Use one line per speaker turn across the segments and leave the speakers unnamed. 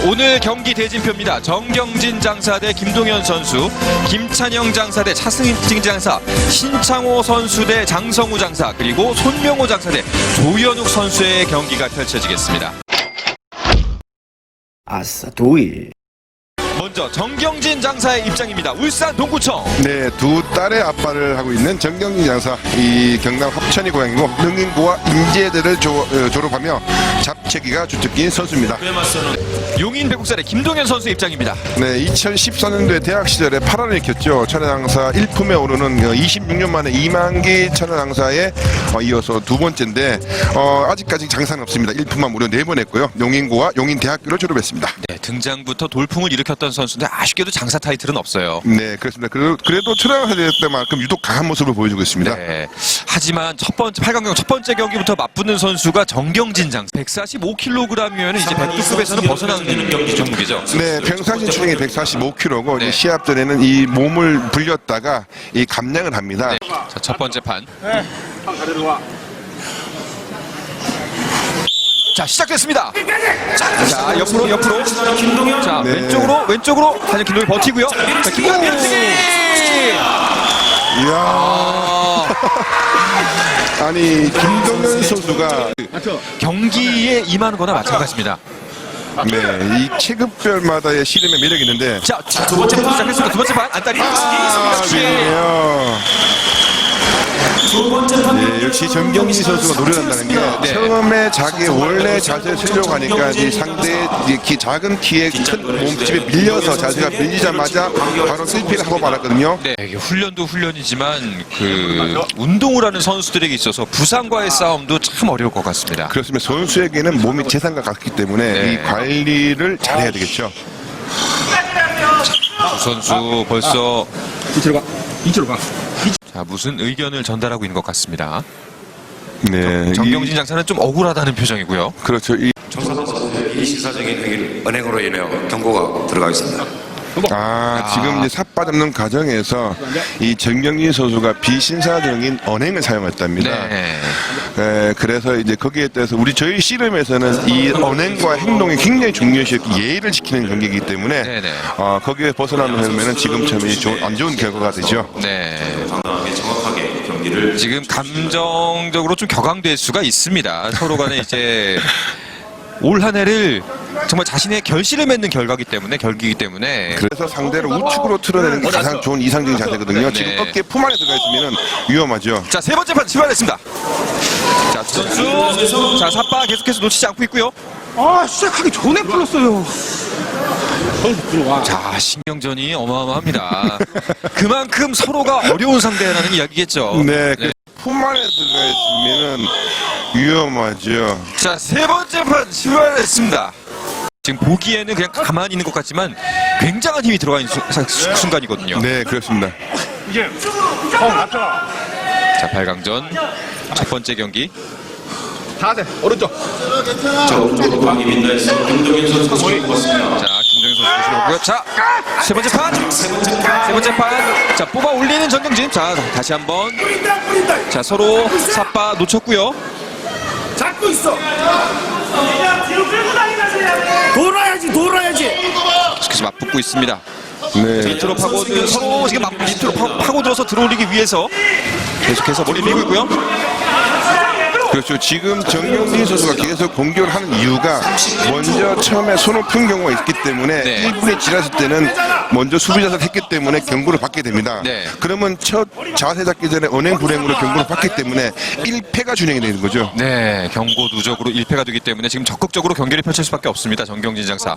오늘 경기 대진표입니다. 정경진 장사 대 김동현 선수, 김찬영 장사 대 차승진 장사, 신창호 선수 대 장성우 장사, 그리고 손명호 장사 대 조현욱 선수의 경기가 펼쳐지겠습니다.
아싸 도일.
먼저 정경진 장사의 입장입니다. 울산 동구청.
네, 두 딸의 아빠를 하고 있는 정경진 장사. 이 경남 합천이 고향이고 능인고와 인제대를 졸업하며 잡채기가 주특기인 선수입니다.
용인 백국산의 김동현 선수 입장입니다.
네, 2014년도에 대학 시절에 8화를 익혔죠. 천연항사 1품에 오르는 26년 만에 이만기 천연항사에 이어서 두 번째인데 아직까지 장사는 없습니다. 1품만 무려 4번 했고요. 용인고와 용인대학교를 졸업했습니다.
네, 등장부터 돌풍을 일으켰던 선수인데 아쉽게도 장사 타이틀은 없어요.
네, 그렇습니다. 그래도 천연항사 대회 때만큼 유독 강한 모습을 보여주고 있습니다.
네, 하지만 8강경 첫 번째 경기부터 맞붙는 선수가 정경진 장사. 145kg이면 이제 백두급에서는 벗어나는 종목이죠.
네, 평상시 체중이 145kg고 네. 시합 전에는 이 몸을 불렸다가 이 감량을 합니다.
네. 자, 첫 번째 판. 자, 시작됐습니다. 자, 옆으로. 자,
네.
왼쪽으로. 하지만 김동현 버티고요. 자, 김동현
이야. 아니, 김동현 선수가
경기에 임하는 거나 마찬가지입니다.
네, 이 체급별마다의 씨름의 매력이 있는데
자, 두 번째 판 시작했습니다. 두 번째 판 안다리.
네, 역시 정경진 선수가 노련한다는 게
네.
처음에 자기의 원래 자세를 쓰려고 하니까 이 상대의 작은 키에 큰 몸집에 밀려서 자세가 밀리자마자 바로 실패를 하고 말았거든요.
네, 이게 훈련도 훈련이지만 그 운동을 하는 선수들에게 있어서 부상과의 싸움도 참 어려울 것 같습니다.
그렇습니다. 선수에게는 몸이 재산과 같기 때문에
네.
이 관리를 잘해야 되겠죠.
두 선수 벌써
이쪽으로 가.
자, 무슨 의견을 전달하고 있는 것 같습니다.
네,
정경진 장사는 좀 억울하다는 표정이고요.
그렇죠.
이 시사적인 행위를 언행으로 인하여 경고가 들어가 있습니다.
지금 이제 삿바 잡는 과정에서 이 정경진 선수가 비신사적인 언행을 사용했답니다.
네.
그래서 이제 거기에 대해서 저희 씨름에서는 이 언행과 행동이 굉장히 중요시했고 예의를 지키는 경기이기 때문에
네네.
거기에 벗어나면 지금처럼 안 좋은 결과가 되죠.
네.
정확하게 경기를
지금 감정적으로 좀 격앙될 수가 있습니다. 서로 간에 이제 올 한 해를 정말 자신의 결실을 맺는 결기이기 때문에
그래서 상대를 우측으로 틀어내는 게 가장 좋은 이상적인 자세거든요.
네.
지금 어깨 품 안에 들어가 있으면 위험하죠.
자, 세 번째 판 출발했습니다. 자, 두 선수. 자, 삿바 계속해서 놓치지 않고 있고요.
시작하기 전에 풀었어요.
자, 신경전이 어마어마합니다. 그만큼 서로가 어려운 상대라는 이야기겠죠.
네, 품 안에 들어가 있으면 위험하죠.
자, 세 번째 판 출발했습니다. 지금 보기에는 그냥 가만히 있는 것 같지만 굉장한 힘이 들어가 있는 순간이거든요.
네, 그렇습니다.
자, 8강전 첫 번째 경기.
오른쪽.
방이 민다에서 김동현 선수가 손을 꼽았습니다.
자, 김정현 선수 보시고요. 자, 세 번째 판. 자, 뽑아 올리는 정경진. 자, 다시 한번. 자, 서로 삿바 놓쳤고요.
잡고 있어. 돌아야지.
계속 맞붙고 있습니다.
네.
밑으로 파고든 서로 지금 밑으로 파고들어서 들어올리기 위해서 계속해서 머리 밀고 있고요.
그렇죠. 지금 정경진 선수가 계속 공격을 하는 이유가 먼저 처음에 손을 푼 경우가 있기 때문에
네.
1분에 지났을 때는 먼저 수비 자세를 했기 때문에 경고를 받게 됩니다.
네.
그러면 첫 자세 잡기 전에 언행 불행으로 경고를 받기 때문에 1패가 준행이 되는 거죠.
네, 경고 누적으로 1패가 되기 때문에 지금 적극적으로 경기를 펼칠 수밖에 없습니다. 정경진 장사.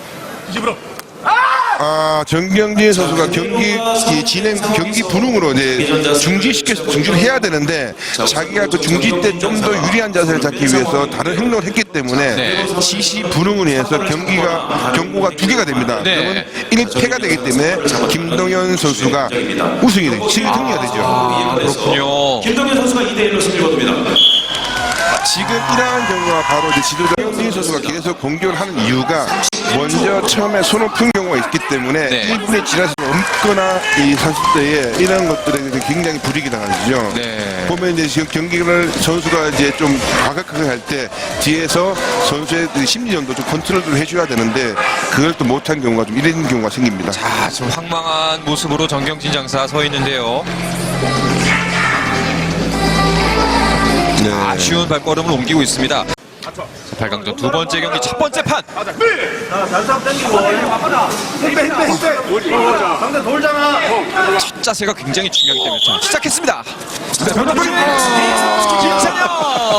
정경진 선수가 경기 분홍으로 이제 중지를 해야 되는데 자기가 그 중지 때 좀 더 유리한 자세를 잡기 위해서 다른 행동을 했기 때문에
네.
지시 분홍으로 인해서 경고가 2개가 됩니다.
네.
그러면 1패가 되기 때문에 김동현 선수가 우승이 되죠. 승리가 되죠.
그렇군요.
김동현 선수가 2대1로 승리 거둡니다.
지금 이러한 경우가 바로 이제 지도자 정경진 선수가 계속 공격을 하는 이유가 먼저 처음에 손을 푼 경우가 있기 때문에
네.
1분에 지나서 넘거나 이 선수들에 이런 것들에 굉장히 불이익이 당하죠.
네.
보면 이제 지금 경기를 선수가 이제 좀 과격하게 할 때 뒤에서 선수의 그 심리전도 좀 컨트롤을 해줘야 되는데 그걸 또 못한 경우가 좀 이런 경우가 생깁니다.
자, 지금 황망한 모습으로 정경진 장사 서 있는데요.
네.
아쉬운 발걸음을 옮기고 있습니다. 자, 8강전 두 번째 경기 첫 번째 판.
상대 돌잖아.
첫 자세가 굉장히 중요하기 때문에 자, 시작했습니다. 김찬영.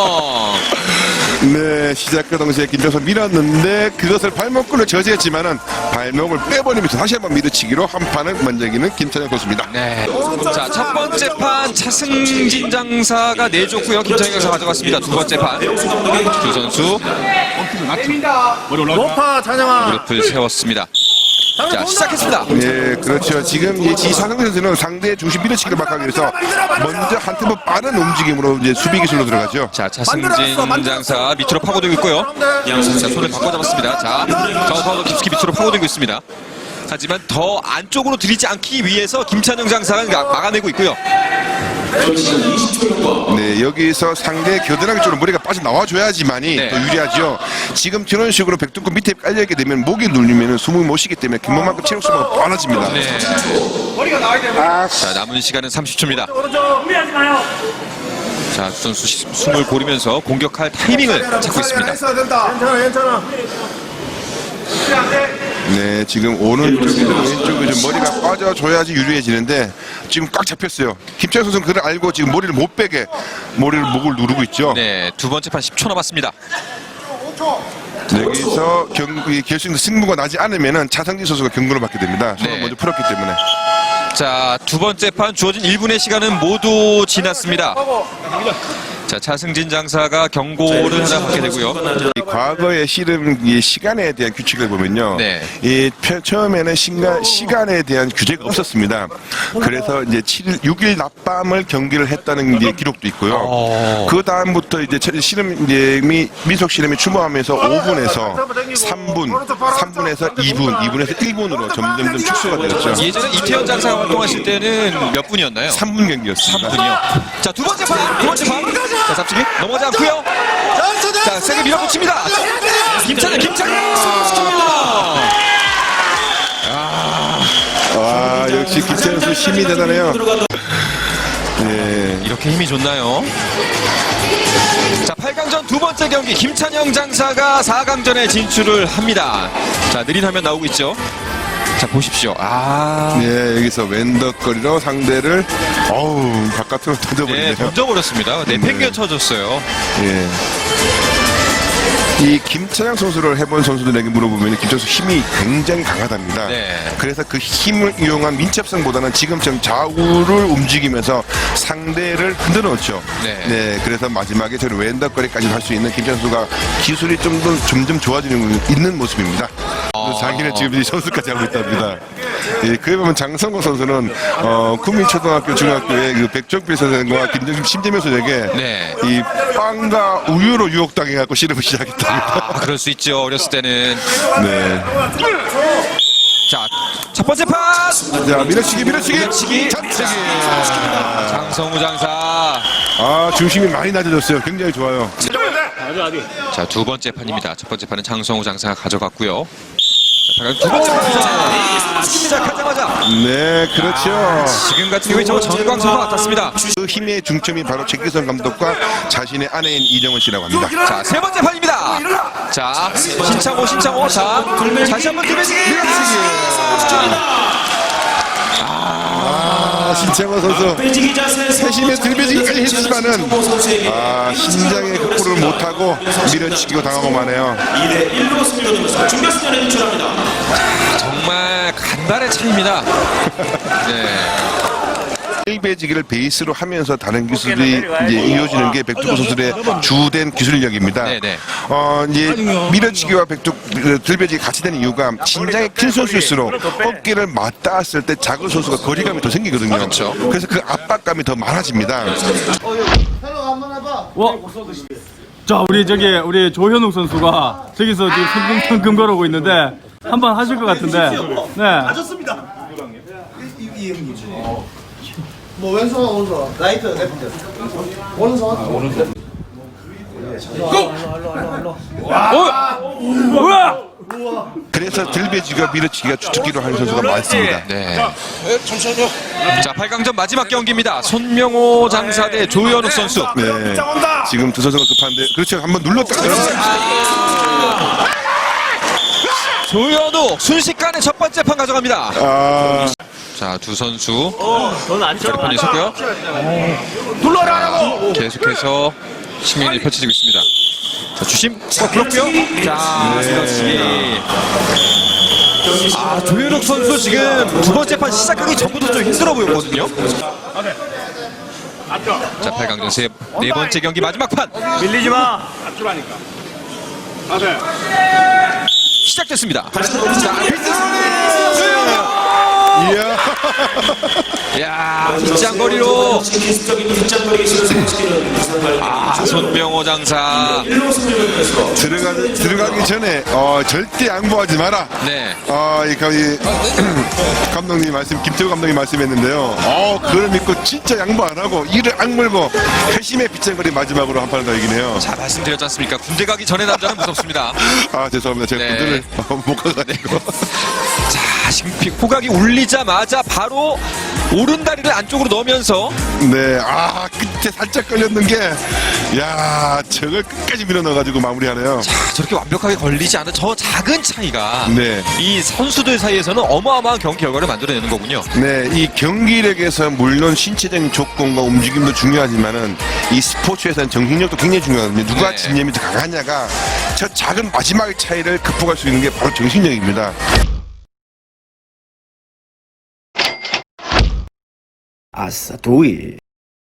네, 시작과 동시에 김정선 밀었는데 그것을 발목근을 저지했지만은 발목을 빼버리면서 다시 한번 밀어치기로 한 판을 먼저 이기는 김찬영 선수입니다.
네. 자, 첫 번째 판 차승진 장사가 내줬고요. 김찬영 장사 가져갔습니다. 두 번째 판. 두 선수
높아 찬영아.
무릎을 세웠습니다. 자, 시작했습니다.
네, 그렇죠. 지금 이 지상승 선수는 상대의 중심 밀어치기를 막기 위해서 먼저 한 템포 빠른 움직임으로 이제 수비 기술로 들어가죠.
자, 차승진 장사 밑으로 파고들고 있고요. 자, 손을 바꿔 잡았습니다. 자, 정파도 깊숙이 밑으로 파고들고 있습니다. 하지만 더 안쪽으로 들이지 않기 위해서 김찬영 장사가 막아내고 있고요.
네, 여기서 상대 겨드랑이 쪽으로 머리가 빠져나와줘야지만이
네.
더 유리하죠. 지금 저런 식으로 백두권 밑에 깔려있게 되면 목이 눌리면 숨을 못 쉬기 때문에 그만큼 체력 소모가 많아집니다.
네. 자, 남은 시간은 30초입니다.
준비하지 마요.
자, 두 선수 숨을 고르면서 공격할 타이밍을 찾고 있습니다.
괜찮아.
네, 지금 오른쪽이나 왼쪽에 좀 머리가 빠져줘야지 유리해지는데 지금 꽉 잡혔어요. 김찬영 선수는 그걸 알고 지금 머리를 못 빼게 목을 누르고 있죠.
네, 두 번째 판 10초 남았습니다.
네, 여기서 경기 결승 승부가 나지 않으면은 차상진 선수가 경고를 받게 됩니다. 손을
네.
먼저 풀었기 때문에.
자, 두 번째 판 주어진 1분의 시간은 모두 지났습니다. 자, 차승진 장사가 경고를 하나 받게 되고요.
이 과거의 씨름 이 시간에 대한 규칙을 보면요.
네.
이 처음에는 시간에 대한 규제가 없었습니다. 그래서 이제 6일 낮밤을 경기를 했다는 이제 기록도 있고요. 그 다음부터 이제 씨름 이제 민속 씨름이 추모하면서 5분에서 3분에서 2분에서 1분으로 점점 축소가 되었죠.
예전에 이태현 장사가 활동하실 때는 몇 분이었나요?
3분 경기였습니다.
3분이요. 자, 두 번째 판. 자, 잡치기 넘어가지 않고요. 자, 세게 밀어붙입니다. 김찬영.
아, 역시 김찬영 선수 힘이 대단해요. 네.
이렇게 힘이 좋나요? 자, 8강전 두 번째 경기 김찬영 장사가 4강전에 진출을 합니다. 자, 느린 화면 나오고 있죠. 자, 보십시오.
네, 여기서 왼덕거리로 상대를 바깥으로
네,
던져버리네요.
던져버렸습니다. 내팽개 쳐줬어요.
예. 이 김찬영 선수를 해본 선수들에게 물어보면 김찬영 선수 힘이 굉장히 강하답니다.
네.
그래서 그 힘을 이용한 민첩성보다는 지금처럼 좌우를 움직이면서 상대를 흔들어 놓죠.
네.
그래서 마지막에 저는 왼덕거리까지 할 수 있는 김찬영 선수가 기술이 점점 좋아지는 있는 모습입니다. 그래서 자기는 지금 이 선수까지 하고 있답니다. 예, 그에 보면 장성호 선수는 구민초등학교 중학교의 그 백종필 선생과 김정심 심재명 선생에게
네.
이 빵과 우유로 유혹당해갖고 씨름을 시작했답니다.
그럴 수 있죠. 어렸을 때는.
네.
자, 첫 번째 판.
자, 밀어치기.
잡치기. 장성우 장사.
중심이 많이 낮아졌어요. 굉장히 좋아요.
자, 두 번째 판입니다. 첫 번째 판은 장성우 장사가 가져갔고요. 자, 두 번째 판 시작하자마자
네, 그렇죠.
지금 같은 경우에 저 전광선과 같았습니다.
그 힘의 중점이 바로 최기선 감독과 자신의 아내인 이정은 씨라고 합니다.
자, 세 번째 판입니다. 자, 신창호. 자, 다시 한번 들배지기.
신창호 선수 세심의 들배지기까지 했지만은 신장의 극복을 못하고 밀어치기고 당하고 마네요.
정말 간발의 차이입니다. 네.
일배지기를 베이스로 하면서 다른 기술이 이제 이어지는 게 백두구 선수들의 주된 기술력입니다.
네네.
이제 밀어치기와 들배지기 같이 되는 이유가 신장이 큰 선수일수록 어깨를 맞닿았을 때 작은 선수가 거리감이 더 생기거든요.
그렇죠.
그래서 그 압박감이 더 많아집니다.
자, 우리 조현욱 선수가 저기서 지금 성공탕금 걸어오고 있는데 한번 하실 것 같은데. 네.
맞았습니다. 뭐 왼손 오른손 라이트 레프트 오른손
그래서 들배지가 밀어치기가 주특기로 하는 선수가 많습니다.
네. 자, 8강전 마지막 경기입니다. 손명호 장사 대 조현욱 선수.
네. 지금 두 선수가 급한데 그렇죠. 한번 눌렀다가
조현욱 순식간에 첫 번째 판 가져갑니다.
아,
자, 두 선수 결판이 있었고요. 계속해서 신경이 펼쳐지고 있습니다. 자, 주심 불었고요. 자, 밀어치기. 조현욱 선수 지금 두 번째 판 시작하기 전부터 좀 힘들어 보였거든요. 자, 8강전 네 번째 경기 마지막 판
밀리지 마.
시작됐습니다.
이야.
야, 빗장거리로. 손명호 장사.
들어가기 전에 절대 양보하지 마라.
네.
감독님 김태우 감독님 말씀했는데요. 그걸 믿고 진짜 양보 안 하고 이를 악물고 회심의 빗장거리 마지막으로 한 판을 더 이기네요.
자, 말씀드렸지 않습니까? 군대 가기 전에 남자는 무섭습니다.
죄송합니다. 제가
네.
군대를 못 가가지고.
자, 지금 호각이 울리자마자 바로 오른다리를 안쪽으로 넣으면서
네, 끝에 살짝 걸렸는 게, 저걸 끝까지 밀어 넣어가지고 마무리하네요.
저렇게 완벽하게 걸리지 않은 저 작은 차이가
네.
이 선수들 사이에서는 어마어마한 경기 결과를 만들어내는 거군요.
네, 이 경기력에서 물론 신체적인 조건과 움직임도 중요하지만은 이 스포츠에서는 정신력도 굉장히 중요하거든요. 누가
네.
집념이 더 강하냐가 저 작은 마지막의 차이를 극복할 수 있는 게 바로 정신력입니다.
아싸 도이